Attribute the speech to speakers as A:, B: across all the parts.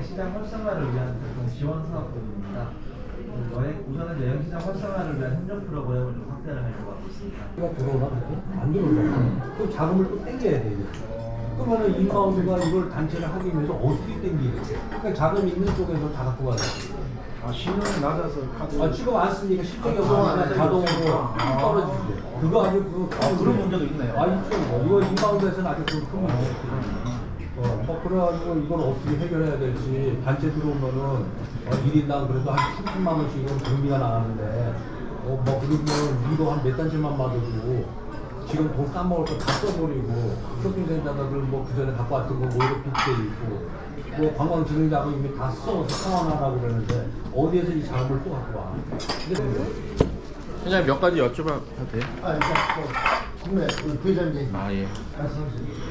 A: 여행시장 활성화를 위한 그런 지원 사업들입니다. 우선은 여행시장 활성화를 위한 협력 프로그램을 좀 확대를 하려고 하고 있습니다.
B: 들어오나 그렇게? 안 들어오잖아. 그럼 자금을 또 땡겨야 돼. 그러면은 인바운드가 이걸 단체를 하기 위해서 어떻게 땡기겠지? 그러니까 자금 있는 쪽에서 다 갖고 가야 돼.
C: 아, 신용이 낮아서 카드.
B: 지금 안 쓰니까 실적이 없으니까 자동으로 떨어지지. 그거 아주
C: 그런 문제도 있네요.
B: 있죠. 이거 인바운드에서는 아주 큰 문제예요. 그래가지고 이걸 어떻게 해결해야 될지 단체 들어오면은 1인당 그래도 한 30만 원씩은 경비가 나가는데 뭐 그러면 이거 한 몇 단체만 받아도 지금 돈 까먹을 거 다 써버리고 쇼핑센터들 뭐 그전에 갖고 왔던 거 모이로 빚게 있고 뭐 관광진흥자금 이미 다 써서 상환하라고 그러는데 어디에서 이 자금을 또 갖고 와.
D: 회장님 몇 가지 여쭤봐도 돼요?
E: 일단 국내 우리 부회장님
D: 아 예.
E: 말씀하세요.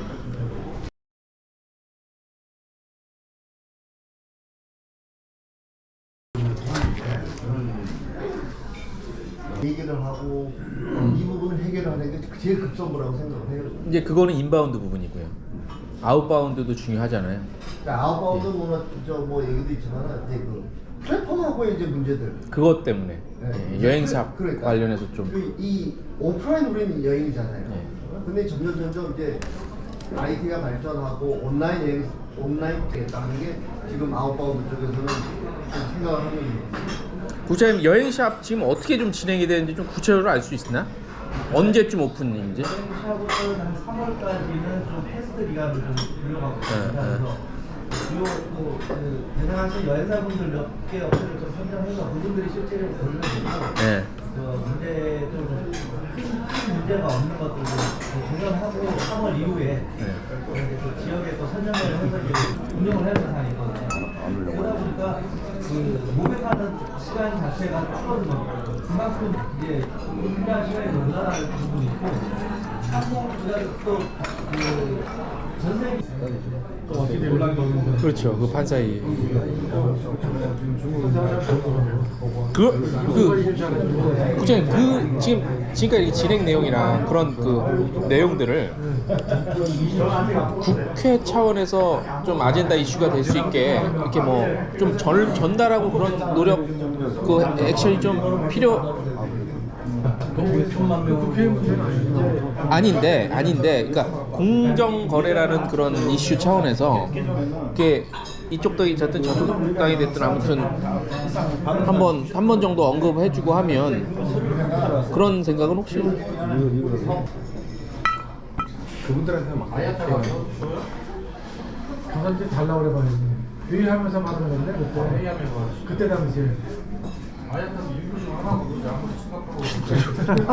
E: 얘기를 하고 이 부분을 해결하는 게 제일 급선무라고 생각을 해요.
D: 이제 그거는 인바운드 부분이고요. 아웃바운드도 중요하잖아요.
E: 그러니까 아웃바운드 뭐 얘기도 있지만 이제 그 플랫폼하고의 이제 문제들.
D: 그것 때문에
E: 네.
D: 예, 여행사
E: 그러니까
D: 관련해서 좀
E: 이 오프라인 우리는 여행이잖아요.
D: 네.
E: 근데 점점 이제 IT가 발전하고 온라인 되겠다는 게 지금 아웃바운드 쪽에서는 좀 생각을 하고 있는 거예요.
D: 구체님 여행샵 지금 어떻게 좀 진행이 되는지 좀 구체적으로 알 수 있나? 언제쯤 오픈인지?
A: 여행샵은 한 3월까지는 좀 테스트 기간을 좀 들어가고 있습니다. 그래서 주요 대상하신 여행사분들 몇 개 업체를 좀 선정해서 그분들이 실제로 고르면 되고
D: 네.
A: 문제 큰 문제가 없는 것들을 조정하고 3월 이후에 이제 그 지역에 또 선정을 해서 이제 운영을 해야 되는 상황이 있거든요. 그러다 보니까 그 모백하는 시간 자체가 줄어든 겁니다. 그만큼 이제 필요한 시간이 늘어나는 부분이 있고 또그 전세
D: 그렇죠. 그 판사이. 국장님 지금까지 진행 내용이랑 그런 그 내용들을 국회 차원에서 좀 아젠다 이슈가 될 수 있게 이렇게 뭐 좀 전달하고 그런 노력 그 액션이 좀 아닌데 그러니까 공정 거래라는 그런 이슈 차원에서 이게 이쪽 당이 됐든 저쪽 당이 됐든 아무튼 한 번 정도 언급해주고 하면 그런 생각은 혹시?
C: 그분들한테 막 저한테 달라고 그래봐야지. 회의하면서 받은 건데 그때 당시에